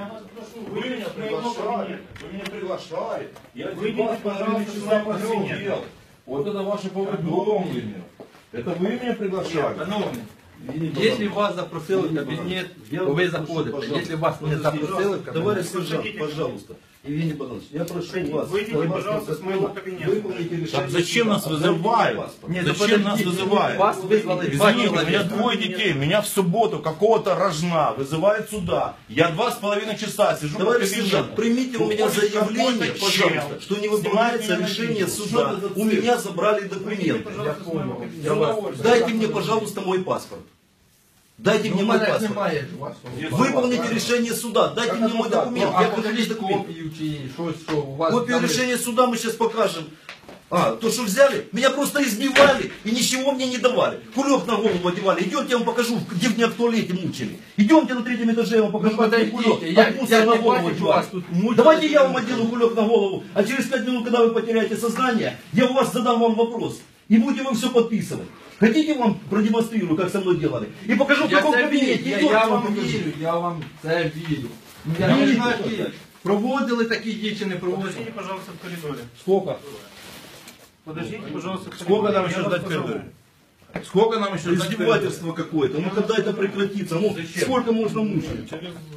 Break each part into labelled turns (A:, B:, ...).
A: вас прошу,
B: Вы меня приглашали, вы меня приглашали. Я
A: Выйдите, пожалуйста, с моего кабинета.
B: Вот это ваше повідомлення. Это вы меня приглашали?
C: Шановні, якщо вас запросили в кабінет, то ви заходите. Якщо вас не запросили в кабінет,
D: Товарищ сержант, пожалуйста, Евгений Богданович, я прошу вас,
A: Выйдите, пожалуйста, с моего кабинета.
D: выполните решение.
B: Так зачем нас вызывают? Зачем нас вызывают?
C: Вас вызвали два
B: Извините, у меня
C: человека.
B: двое детей, меня в субботу какого-то рожна вызывают сюда. Я 2,5 часа сижу
D: Товарищ
B: в кабинете.
D: сержант, примите у меня
B: Уходит
D: заявление,
B: какой-то
D: пожалуйста,
B: чел.
D: что не выполняется
B: Снимает меня
D: решение
B: на видео.
D: суда.
B: Что это за
D: У
B: цирк?
D: меня забрали документы.
A: Пожалуйста, с моего кабинета.
D: Дайте мне, пожалуйста, мой паспорт. Дайте мне мой паспорт.
C: немає вашого.
D: Выполните решение суда. Дайте мне мой документ.
C: А
D: Я покажу
C: покажіть
D: документ.
C: копію чи щось, що у вас
D: Копию
C: там є.
D: решения суда мы сейчас покажем. А, то, что взяли, меня просто избивали и ничего мне не давали. Кулек на голову одевали. Идемте, я вам покажу, где меня в туалете мучили. Идемте на 3-м этаже, я вам покажу,
C: Ну,
D: где
C: подождите,
D: кулек.
C: я
D: От мусора
C: не
D: на голову
C: бачу,
D: одевали.
C: вас тут мучили.
D: Давайте я вам одену кулек на голову, а через 5 минут, когда вы потеряете сознание, я у вас задам вам вопрос. И будете вы все подписывать. Хотите, вам продемонстрирую, как со мной делали? И покажу, в
C: Я
D: каком
C: це
D: кабинете.
C: вірю,
D: Идемте,
C: я
D: вам
C: вам
D: покажу.
C: вірю, я вам це вірю. Я не знаю, які проводили такі дії чи не проводили.
A: Подождите, пожалуйста, в коридоре.
B: Сколько?
A: Подождите, пожалуйста, в коридоре.
B: Сколько нам
A: Я
B: еще
A: вас
B: ждать в
A: позову.
B: коридоре? Сколько нам еще ждать в коридоре?
D: Издевательство какое-то. Ну когда это прекратится? Ну сколько можно мучить?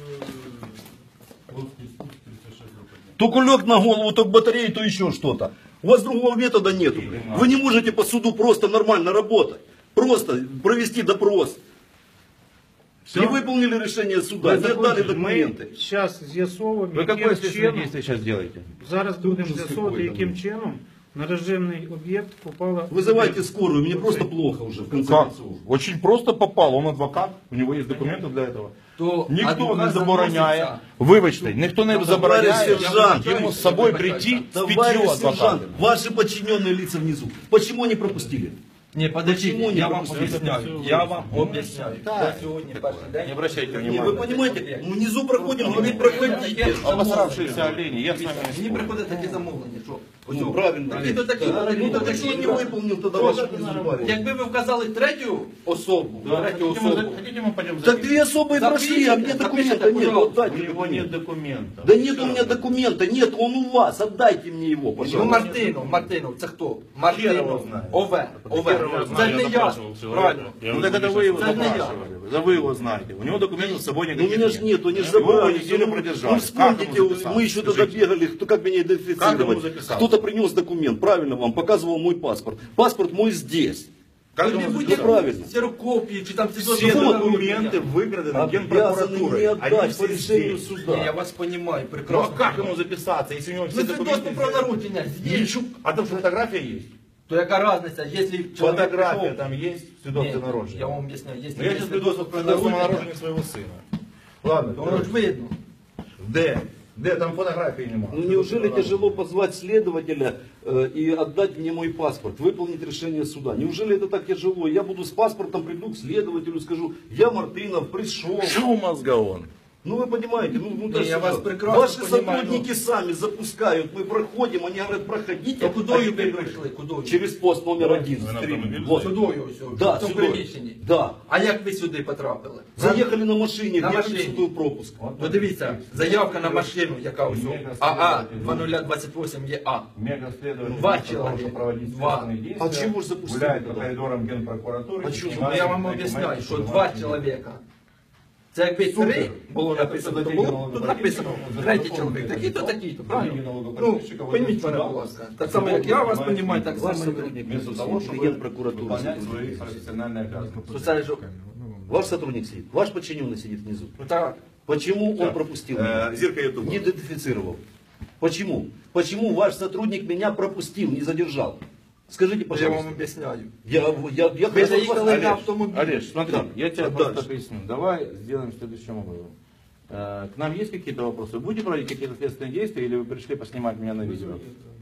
D: То кулек на голову, то батарею, то еще что-то. У вас другого метода нету. Вы не можете по суду просто нормально работать. Просто провести допрос. Не выполнили решение суда, не отдали документы.
A: Ми зараз з'ясовуємо,
B: Вы какое
A: яким
B: следственное
A: чином,
B: действие сейчас делаете?
A: зараз будемо
D: Ужас
A: з'ясовувати,
D: какой-то,
A: яким чином на режимний об'єкт попала...
D: Вызывайте скорую, мне просто плохо уже в конце
B: Как?
D: концов.
B: Очень просто попал, он адвокат, у него есть документы для этого.
C: То
B: Ніхто не
C: адвокат
B: забороняє,
C: заноситься.
B: вибачте, ніхто не забороняє
D: сержант,
B: йому з собою прийти з
D: Товарищ
B: 5
D: сержант,
B: адвокатами.
D: ваши подчиненные лица внизу, почему они пропустили?
C: Ні, подождіть,
D: Почему не
C: я вам
D: пропустили?
C: об'ясняю. Я вам об'ясняю. Я сьогодні перший день.
B: Не обращайте
D: Не,
B: внимания.
D: вы понимаете, мы внизу проходим, говорит, проходите.
B: Обосравшиеся олені, я з вами не
C: Мені
B: спорю.
C: приходять такі замовлення, що
D: Ну, правильно.
C: такі то такі.
D: Ну так а что он не выполнил тогда ваши призывания?
C: Якби ви вказали третю особу, третю особу,
B: Хотите, мы пойдем за
D: Так
B: ним?
D: две особые прошли, а мне документа нет. Вот
B: У
D: дайте
B: него
D: документ.
B: нет документа.
D: Да нет у меня документа, нет, он у вас, отдайте мне его,
C: ну
D: пожалуйста.
C: Мартинов, це хто?
B: Хер його
C: Мартинов,
B: знає.
C: ОВ,
B: Хер його
C: Це
B: знає,
C: ж не
B: я
C: я,
B: допрашивался.
C: правильно.
B: Ну так это вы его
C: Це не я.
B: допрашивали. Да вы его знаете. У него документов с собой
D: Ну
B: никаких
D: меня же нет, они же
B: Его
D: забрали.
B: неделю
D: Ну,
B: продержали.
D: ну вспомните,
B: Как ему записаться?
D: мы еще тогда
B: Скажите.
D: бегали, кто как меня
B: Как ему
D: идентифицировать.
B: записаться?
D: Кто-то принес документ, правильно вам, показывал мой паспорт. Паспорт мой здесь.
B: Как
C: Ви
B: ему
C: будете
B: записаться?
D: правильно.
C: ксерокопії, чи там ці
B: Все
C: дозволи.
B: документы выграны
D: Обязаны
B: Генпрокуратурой.
D: не
B: Они
D: отдать
B: все
D: по решению
B: здесь.
D: суда.
C: Ні, я вас розумію,
B: Ну а
C: прекрасно.
B: как ему записаться, если у него все
C: Ну
B: документы
C: свідоцтво про
B: здесь?
C: народження є.
B: Ничего. А там фотография есть?
C: То яка різниця, якщо чоловік
B: Фотография
C: прийшов-
B: там есть?
C: Ні,
B: Свидетельство
C: я
B: народження.
C: вам об'ясняю, якщо
B: Ну я
C: є
B: сейчас свидетельство про народження своего сына. Ладно,
C: то воно ж видно.
B: Де? Де? Там фотографии нема.
D: Ну неужели тяжело позвать следователя и отдать мне мой паспорт, выполнить решение суда? Неужели это так тяжело? Я буду с паспортом, приду к следователю, скажу, я Мартынов, пришел.
B: Шо мозгоон?
D: Ну вы понимаете, ну
C: Не,
D: так
C: я
D: что,
C: вас прекрасно
D: ваши
C: понимаю,
D: сотрудники сами запускают, мы проходим, они говорят, проходите.
C: То куди
D: а
C: ви
D: теперь
C: прийшли? Куди?
D: через пост номер 1.
B: Вы на автомобиле
D: Вот.
C: Сюдою ось,
D: Да,
C: в цьому
D: сюди.
C: приміщенні.
D: Да.
C: А як ви сюди потрапили?
D: Заехали на машине,
C: На
D: где
C: машине.
D: принципы пропуск.
C: Подивіться, заявка на машину, яка ось АА 2028 є А.
B: Мегаследователь
C: Два
B: вместо того,
C: человека.
B: чтобы проводить
C: Два.
B: следственные действия,
D: А чего ж запустили
B: гуляет по
D: тогда?
B: коридорам Генпрокуратуры.
D: А чего?
C: Ну я вам об'ясняю, що два чоловіка. Це якби три було написано, то було б тут написано третій чоловік, такий-то, такий-то, правильно? Ну, пойміть мене, будь ласка. Так само, як я вас розумію, так
D: Ваш
C: само.
D: сотрудник
B: Вместо
D: сидит,
B: того, чтобы
D: Генпрокуратуры
B: выполнять
D: сидит.
B: свои профессиональные обязанности.
C: То це ж,
D: Ваш сотрудник сидит, ваш подчиненный сидит внизу.
C: ну так,
D: Почему он пропустил меня?
B: Зирка Ютуба.
D: Не идентифицировал. Почему? Почему ваш сотрудник меня пропустил, не задержал? Скажите,
C: я вам
D: пожалуйста.
C: об'ясняю.
D: Я
C: Ви
D: хочу
C: заїхали
D: вас-
C: на автомобіль.
B: Олеж, смотри,
D: Да.
B: я тебе
D: А
B: просто
D: дальше?
B: поясню. Давай сделаем следующим образом. К нам есть какие-то вопросы? Вы будете проводить какие-то следственные действия или вы пришли поснимать меня на видео?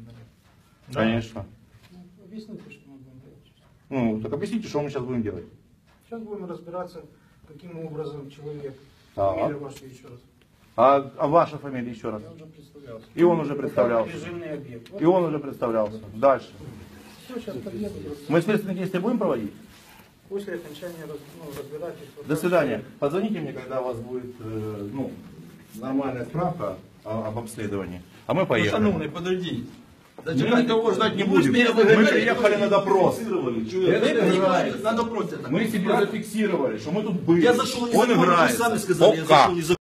B: Конечно.
A: Объясните, что мы будем делать.
B: Ну, так объясните, что мы сейчас будем делать.
A: Сейчас будем разбираться, каким образом человек,
B: Так.
A: фамилия ваша еще раз.
B: А ваша фамилия еще раз?
A: Я уже представлялся.
B: И он уже представлялся.
A: Режимный объект.
B: И он уже представлялся. Дальше.
A: Все, сейчас подъеду.
B: Мы следственные действия будем проводить?
A: После окончания разбирательства.
B: До свидания. Позвоните мне, когда у вас будет нормальная справка об обследовании. А мы
C: Ну,
B: поехали.
C: шановний, подождіть.
B: Мы никого ждать не будем.
C: Ви ж
B: Мы
C: мене
B: приехали на допрос.
C: Ви приїхали на допрос.
B: Мы себе зафиксировали, что мы тут были.
D: Я зашел
B: Он
D: незаконно, вы
B: играет.
D: сами сказали, я
B: Пока.
D: зашел незаконно.